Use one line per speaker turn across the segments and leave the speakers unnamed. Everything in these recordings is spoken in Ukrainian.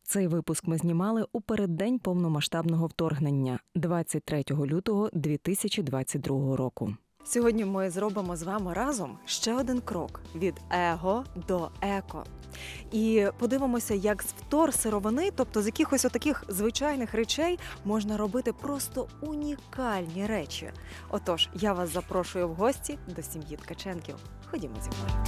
Цей випуск ми знімали у переддень повномасштабного вторгнення 23 лютого 2022 року. Сьогодні ми зробимо з вами разом ще один крок від его до еко. І подивимося, як з вторсировини, тобто з якихось отаких звичайних речей, можна робити просто унікальні речі. Отож, я вас запрошую в гості до сім'ї Ткаченків. Ходімо зі мною.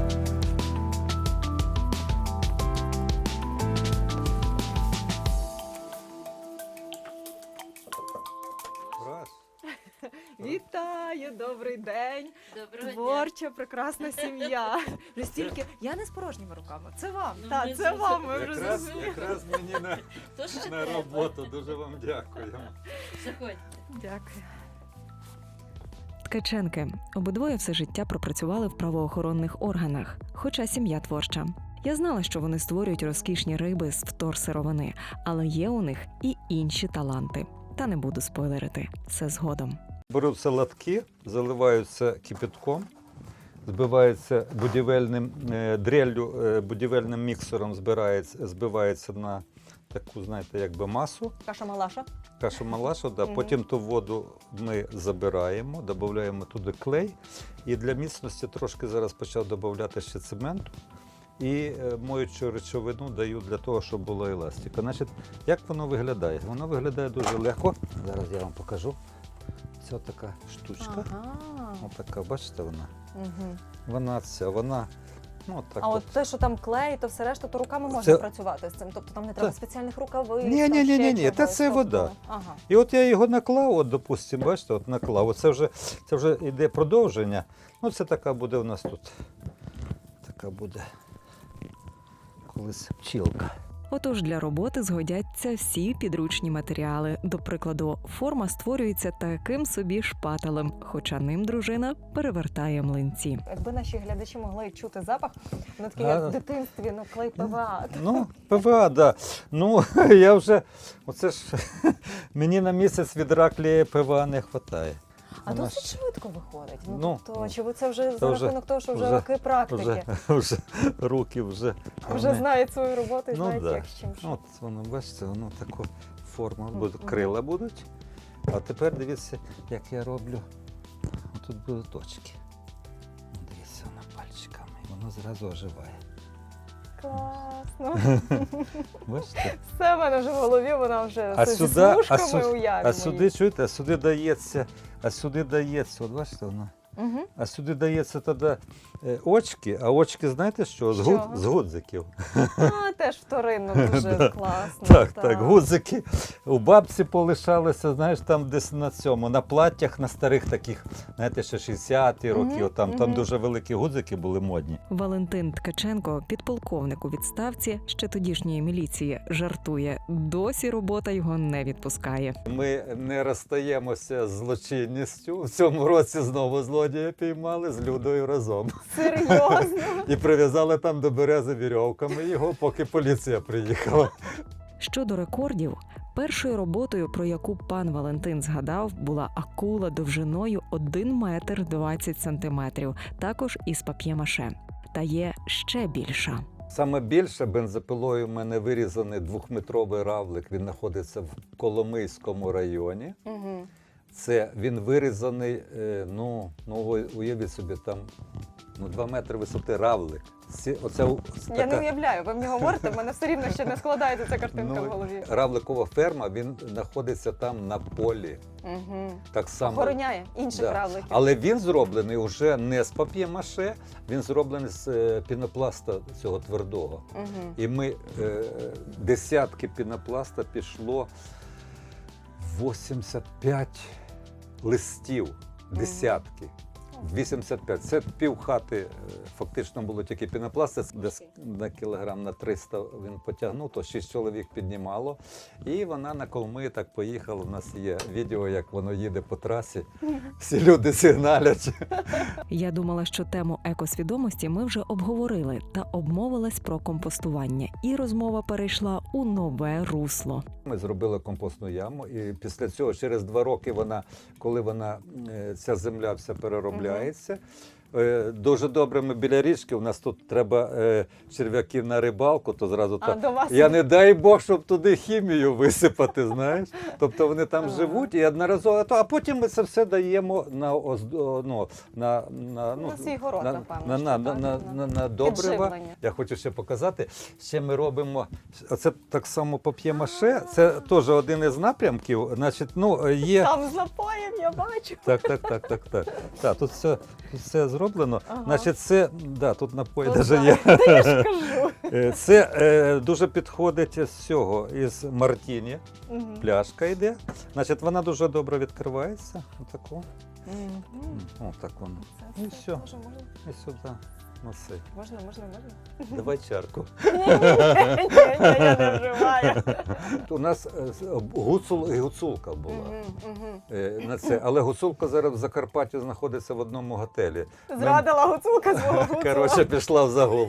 Вітаю, добрий день.
Доброго
Творча, прекрасна сім'я. Вже стільки. Я не з порожніми руками. Це вам.
Ну,
Так,
ми
це
вже
вам. Ми вже
Якраз мені
То ще
на
треба.
роботу. Дуже вам дякуємо.
Заходьте.
Дякую. Ткаченки. Обидвоє все життя пропрацювали в правоохоронних органах, хоча сім'я творча. Я знала, що вони створюють розкішні риби з вторсировини, але є у них і інші таланти. Та не буду спойлерити. Все згодом.
Беруться латки, заливаються кипятком, збиваються будівельним дреллю, будівельним міксером збивається на таку, знаєте, якби масу.
Каша-малаша.
Кашу-малашу, да.
Мгм.
Потім ту воду ми забираємо, додаємо туди клей. І для міцності трошки зараз почав додати ще цементу. І моючу речовину даю для того, щоб було еластика. Значить, як воно виглядає? Воно виглядає дуже легко. Зараз я вам покажу. Це така штучка.
Ага.
Отака, бачите, вона?
Угу.
Вона, ну так.
А от те, що там клей, то все решта, то руками можна
Це-
працювати з цим. Тобто там не треба
Це-
спеціальних рукавиць.
Ні,
там
ні, ні,
ще
ні, ні, та
чогось.
це
Тобто,
вода.
Ага.
І от я його наклав, от, допустимо, бачите, от наклав. Оце це вже йде продовження. Ну, це така буде у нас тут. Така буде колись пчілка.
Отож, для роботи згодяться всі підручні матеріали. До прикладу, форма створюється таким собі шпателем, хоча ним дружина перевертає млинці. Якби наші глядачі могли чути запах, воно таке, як в дитинстві, клей ПВА.
Ну, ПВА, да. Ну, я вже, оце ж, мені на місяць відра клея ПВА не вистачає.
А досить швидко виходить.
Ну,
Тобто, чи ви це вже
то
за
вже-
рахунок того, що вже
вже-
роки практики?
Вже руки вже.
Вже
вони-
знають свою роботу і
Ну,
знають,
да.
як з чим що.
От воно, бачите, воно таку форму буде,
Мгм.
крила будуть. А тепер дивіться, як я роблю. Тут будуть точки. Дивіться, воно пальчиками, і воно зразу оживає.
Класно.
Бачите?
Все в мене вже в голові, вона вже
А
зі
сюди-
смужками уяві.
А сюди, чуєте, а сюди дається, от бачите, воно.
Угу.
А сюди дається тоді очки, а очки знаєте що?
З чого?
З гудзиків.
А, теж вторинно дуже
Да.
класно.
Так, гудзики у бабці полишалися, знаєш, там десь на цьому, на платтях, на старих таких, знаєте, ще 60-ті роки,
Мгм,
там
мгм.
дуже великі гудзики були модні.
Валентин Ткаченко, підполковник у відставці ще тодішньої міліції, жартує. Досі робота його не відпускає.
Ми не розстаємося з злочинністю. В цьому році знову злодія піймали з Людою разом.
Серйозно?
І прив'язали там до берези вірьовками його, поки поліція приїхала.
Щодо рекордів, першою роботою, про яку пан Валентин згадав, була акула довжиною 1 метр 20 сантиметрів, також із пап'є-маше. Та є ще більша.
Саме більше бензопилою в мене вирізаний 2-метровий равлик. Він знаходиться в Коломийському районі.
Угу.
Це він вирізаний, уявіть собі, там 2 метри висоти равлик.
Я не уявляю, ви мені говорите, в мене все рівно ще не складається ця картинка в голові.
Равликова ферма, він знаходиться там на полі.
Угу.
Так само.
Охороняє інших
Да.
равликів.
Але він зроблений вже не з пап'є-маше, він зроблений з пінопласта цього твердого.
Угу.
І ми десятки пінопласта пішло 85 листів, десятки. 85. Це пів хати фактично було тільки пінопласт, це десь на кілограм на 300 він потягнув, то 6 чоловік піднімало. І вона на Колми так поїхала. У нас є відео, як воно їде по трасі. Всі люди сигналять.
Я думала, що тему екосвідомості ми вже обговорили та обмовилась про компостування. І розмова перейшла у нове русло.
Ми зробили компостну яму, і після цього, через 2 роки, коли ця земля вся переробляється, дуже добре ми біля річки, у нас тут треба черв'яків на рибалку, то зразу
А
так.
до вас
Я не дай Бог, щоб туди хімію висипати, знаєш. Тобто вони там
Ага.
живуть і одноразово, а потім ми це все даємо на,
на свій город, напевно.
на,
що
на,
так,
на добрива.
Підживлення.
Я хочу ще показати, ще ми робимо, оце так само пап'є-маше, це теж один із напрямків, значить, є...
Там з напоєм я бачу.
Так. Так, тут все зроблено.
Ага.
Значить, це, да, тут напої
Ну,
навіть
так.
є.
Та я ж кажу.
Це дуже підходить з цього, із мартіні.
Мгм.
Пляшка йде. Значить, вона дуже добре відкривається. Отаку.
Мгм.
Отак воно.
Це
І
все.
все.
Можна.
І сюди. Носи.
Можна.
Давай чарку.
Ні, я не вживаю.
У нас гуцул і гуцулка була.
Мгм.
На це. Але гуцулка зараз в Закарпатті знаходиться в одному готелі.
Зрадила гуцулка свого гуцула.
Коротше, пішла в загул.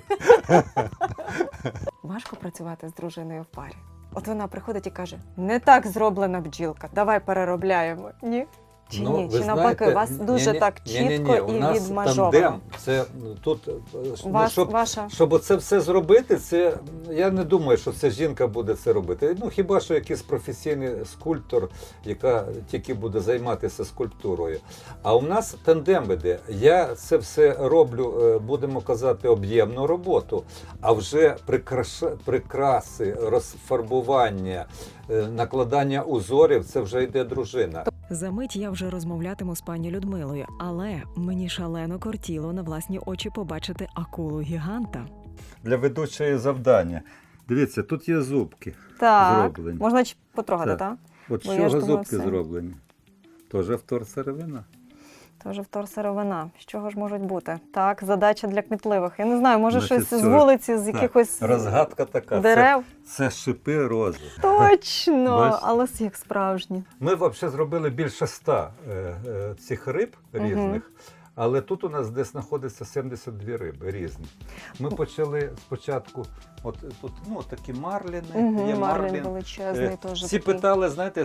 Важко працювати з дружиною в парі. От вона приходить і каже: не так зроблена бджілка, давай переробляємо. Ні? Чи ні?
ви
Чи навпаки,
знаєте,
у вас дуже
ні-ні,
так
ні-ні-ні,
чітко
у
і
нас
відмежовано?
тандем. Це тут,
Ваша.
щоб оце все зробити, це я не думаю, що це жінка буде це робити. Хіба що якийсь професійний скульптор, яка тільки буде займатися скульптурою. А у нас тандем іде. Я це все роблю, будемо казати, об'ємну роботу, а вже прикраси, розфарбування, накладання узорів, це вже йде дружина.
Замить я вже розмовлятиму з пані Людмилою, але мені шалено кортіло на власні очі побачити акулу-гіганта.
Для ведучої завдання. Дивіться, тут є зубки зроблені.
Можна потрогати,
Так.
так?
От
Бо
з
я ж
чого
думала,
зубки
все.
зроблені? Теж вторсировина.
Тож вторсировина. З чого ж можуть бути? Так, задача для кмітливих. Я не знаю, може
Значить,
щось з
це-
вулиці, з
Так,
якихось
розгадка така.
дерев.
Це шипи рози.
Точно,
Бачиш?
але як справжні.
Ми взагалі зробили більше 100 цих риб різних, але тут у нас десь знаходиться 72 риби різні. Ми почали спочатку, от тут такі марліни, є
Марлін
марлін.
величезний теж.
Всі
такий.
питали, знаєте,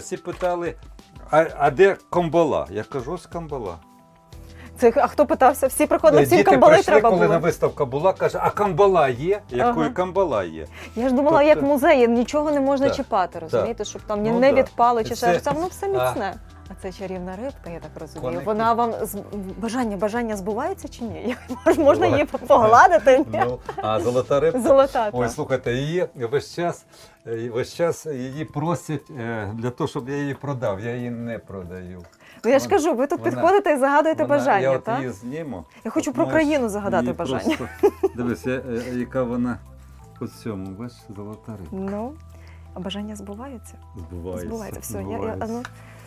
а де камбала? Я кажу, ось камбала.
А хто питався? Всі приходили, всім
Діти
камбали
прийшли,
треба
коли
було.
на виставка була, каже, а камбала є? Якої
Ага.
камбала є?
Я ж думала,
Тобто-
як музеї, нічого не можна
Так,
чіпати, розумієте, щоб там
Ну,
не
да.
відпало чи
Це-
ще щось. Воно все міцне. А це чарівна рибка, я так розумію.
Коники.
Вона вам бажання збувається чи ні? Можна її погладити? Ні?
А золота рибка?
Золота.
Ой,
так.
слухайте, її весь час її просять для того, щоб я її продав. Я її не продаю.
Ну я ж кажу, ви тут
вона-
підходите і загадуєте
Я
бажання,
от
так?
її зніму.
Я хочу
От
про
можеш
країну загадати
її
бажання.
просто- Дивись, яка вона по цьому, бачиш, золота рибка.
Ну, а бажання збуваються? Збувається. Все,
збувається.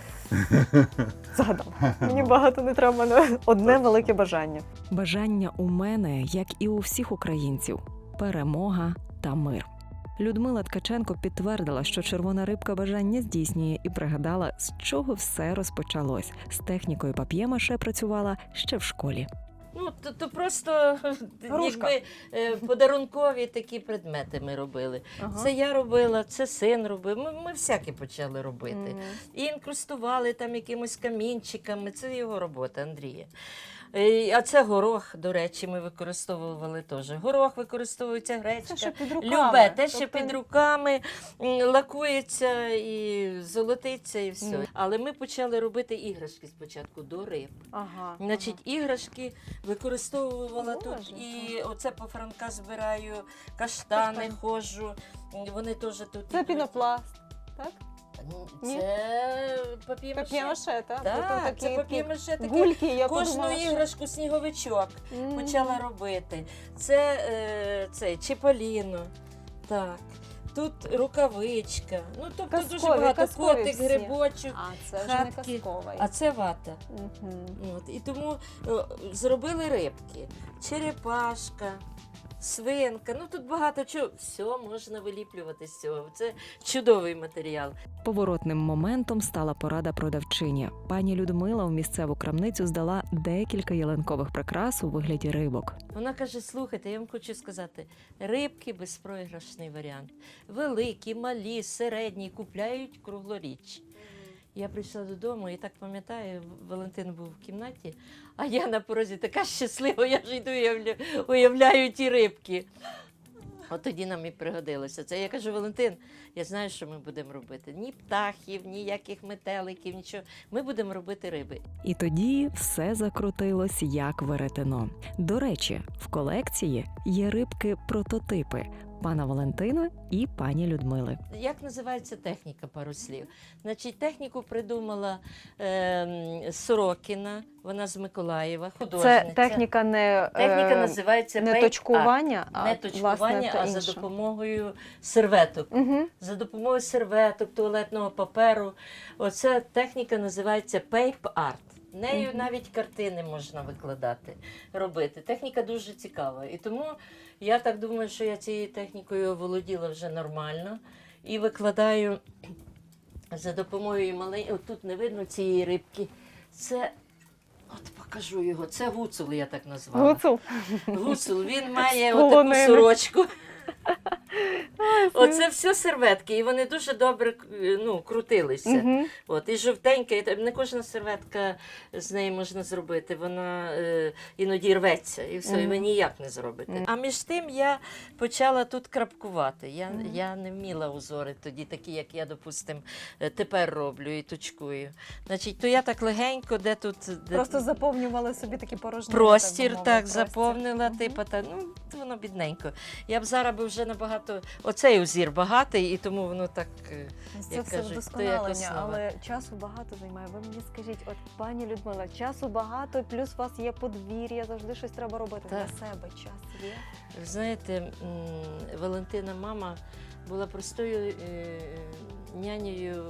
Загадала. Мені багато не треба, одне велике бажання. Бажання у мене, як і у всіх українців: перемога та мир. Людмила Ткаченко підтвердила, що червона рибка бажання здійснює, і пригадала, з чого все розпочалось. З технікою пап'є-маше працювала ще в школі.
Ну, то просто якби подарункові такі предмети ми робили. Це я робила, це син робив. Ми всяке почали робити. І інкрустували там якимось камінчиками. Це його робота, Андрія. А це горох, до речі, ми використовували теж. Горох використовується, гречка.
під
Любе, те, що під руками, лакується і золотиться, і все. Але ми почали робити іграшки спочатку до риб.
Ага.
Значить, іграшки використовувала
Боже,
тут. І оце по Франка збираю, каштани ходжу. Вони теж тут.
Це пінопласт, так? Ні?
Це пап'є-маше.
Пап'є-маше, так?
Так, це пап'є-маше таке.
Гульки, я
Кожну
подумала, що-
іграшку сніговичок
Мгм.
почала робити. Це Чіполіно. Так. Тут рукавичка. Ну, тобто дуже
Казкові,
багато.
казкові
Котик,
всі.
грибочок.
А, це вже не
хатки.
казковий.
А це вата.
Мгм.
От, і тому зробили рибки, черепашка, свинка. Ну тут багато чого. Все можна виліплювати з цього. Це чудовий матеріал.
Поворотним моментом стала порада продавчині. Пані Людмила в місцеву крамницю здала декілька ялинкових прикрас у вигляді рибок.
Вона каже: слухайте, я вам хочу сказати, рибки безпроіграшний варіант. Великі, малі, середні, купляють круглоріч. Я прийшла додому і так пам'ятаю, Валентин був в кімнаті, а я на порозі така щаслива, я ж йду і уявляю ті рибки. От тоді нам і пригодилося це. Я кажу, Валентин, я знаю, що ми будемо робити. Ні птахів, ніяких метеликів, нічого. Ми будемо робити риби.
І тоді все закрутилось як веретено. До речі, в колекції є рибки-прототипи пана Валентина і пані Людмили.
Як називається техніка, пару слів? Значить, техніку придумала Сорокіна, вона з Миколаєва, художниця.
Це техніка не,
Техніка називається
не
paint
точкування,
art. Не точкування,
власне,
а
інше.
за допомогою серветок.
Угу.
За допомогою серветок, туалетного паперу. Оця техніка називається paper art. Нею навіть картини можна викладати, робити. Техніка дуже цікава. І тому я так думаю, що я цією технікою оволоділа вже нормально. І викладаю за допомогою маленької, тут не видно цієї рибки. Це, от покажу його, це гуцул, я так назвала.
Гуцул.
Гуцул, він має
З
отаку
полонини.
сорочку. Оце все серветки, і вони дуже добре крутилися.
Угу.
От, і жовтенька, і не кожна серветка з неї можна зробити, вона іноді рветься, і все, і ви ніяк не зробите. А між тим я почала тут крапкувати. Я не вміла узори тоді, такі, як я, допустим, тепер роблю і точкую. Значить, то я так легенько, де тут...
Просто заповнювали собі такі порожні.
Простір так заповнила, типу, воно бідненько. Я б зараз би вже набагато, оцей узір багатий, і тому воно так,
Це
як
все
кажуть,
вдосконалення,
то якось
але часу багато займає. Ви мені скажіть, от пані Людмила, часу багато, плюс у вас є подвір'я, завжди щось треба робити
Так.
для себе. Час є.
Ви знаєте, Валентина мама була простою нянею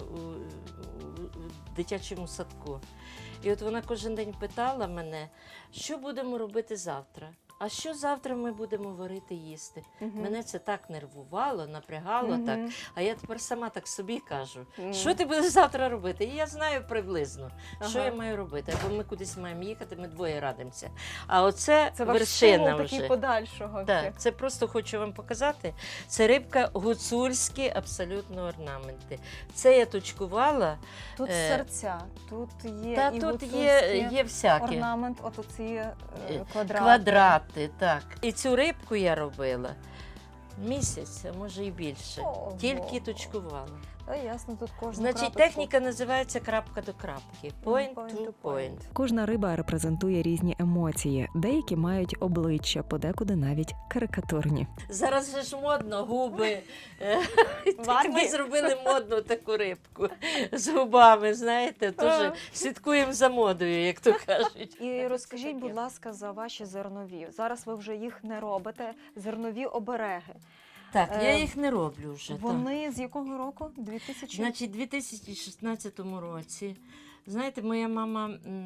у дитячому садку. І от вона кожен день питала мене, що будемо робити завтра? А що завтра ми будемо варити їсти? Мене це так нервувало, напрягало так. А я тепер сама так собі кажу, що ти будеш завтра робити? І я знаю приблизно, що я маю робити. Або ми кудись маємо їхати, ми двоє радимося. А оце
Це ваш
вершина
стимул
вже.
такий подальшого.
Так, це просто хочу вам показати. Це рибка гуцульські абсолютно орнаменти. Це я точкувала.
Тут серця, тут є
Та
і
тут
гуцульські
є всякі.
орнамент, от оці квадрати.
Квадрати, так. І цю рибку я робила місяць, а може і більше.
Ого.
Тільки точкувала.
Та ясно, тут кожна
Значить,
крапочку.
техніка називається крапка до крапки. Point to point.
Кожна риба репрезентує різні емоції, деякі мають обличчя, подекуди навіть карикатурні.
Зараз же ж модно губи.
Варги.
Ми зробили модну таку рибку з губами, знаєте, теж слідкуємо за модою, як то кажуть.
І розкажіть, будь ласка, за ваші зернові. Зараз ви вже їх не робите. Зернові обереги.
Так, я їх не роблю вже. так.
Вони з якого року? 2000?
Значить, у 2016 році, знаєте, моя мама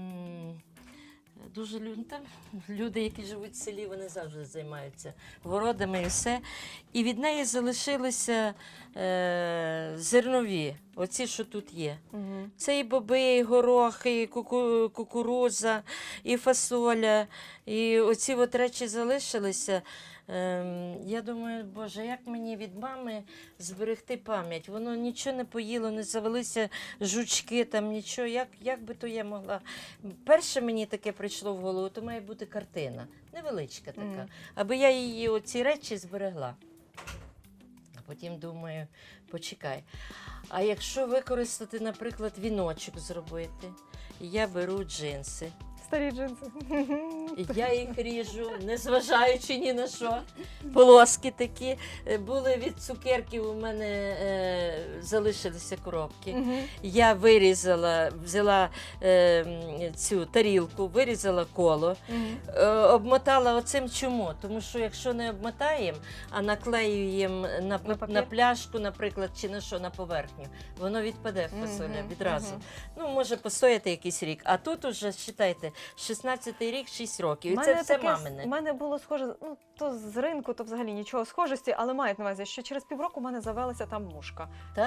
дуже там люди, які живуть в селі, вони завжди займаються городами і все. І від неї залишилися зернові, оці, що тут є.
Угу.
Це і боби, і горох, і кукурудза, і фасоля. І оці от речі залишилися. Я думаю, Боже, як мені від мами зберегти пам'ять? Воно нічого не поїло, не завелися жучки, там нічого. Як би то я могла? Перше мені таке прийшло в голову, то має бути картина, невеличка така, аби я її, оці речі зберегла. А потім думаю, почекай. А якщо використати, наприклад, віночок зробити, я беру джинси.
Старі джинси.
Я їх ріжу, незважаючи ні на що. Полоски такі. Були від цукерків, у мене залишилися коробки. Я вирізала, взяла цю тарілку, вирізала коло, обмотала оцим чому? Тому що якщо не обмотаємо, а наклеюємо на пляшку, наприклад, чи на що, на поверхню, воно відпаде фасоля відразу. Ну, може постояти якийсь рік. А тут уже, вважайте, 16-й рік, 6 років. І це все мамине.
У мене було схоже, ну, то з ринку, то взагалі нічого схожості, але мають на увазі, що через півроку в мене завелася там мушка.
Так.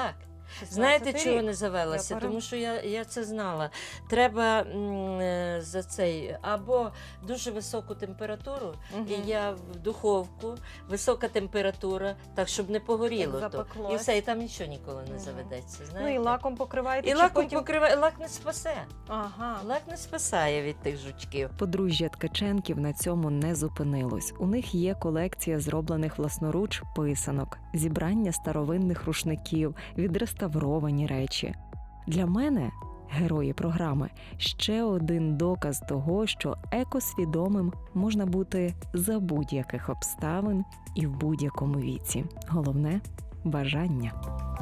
Знаєте,
16-й
чого
рік.
не завелася?
Я
Тому що я це знала. Треба за цей або дуже високу температуру,
Мгм.
і я в духовку, висока температура, так щоб не погоріло
Як
то.
запеклось.
І все, і там нічого ніколи не
Мгм.
заведеться.
Ну і
Знаєте?
лаком покриваєте?
І
чи
лаком
потім...
покриває, лак не спасе.
Ага.
Лак не спасає від тих жучків.
Подружжя Ткаченків на цьому не зупинилось. У них є колекція зроблених власноруч писанок, зібрання старовинних рушників, відреставровані речі. Для мене герої програми ще один доказ того, що екосвідомим можна бути за будь-яких обставин і в будь-якому віці. Головне бажання.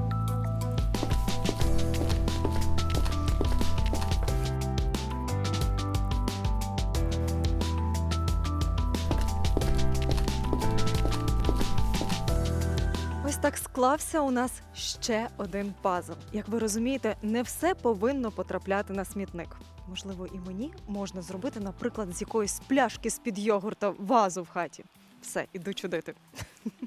Ось так склався у нас ще один пазл. Як ви розумієте, не все повинно потрапляти на смітник. Можливо, і мені можна зробити, наприклад, з якоїсь пляшки з-під йогурта вазу в хаті. Все, іду чудити.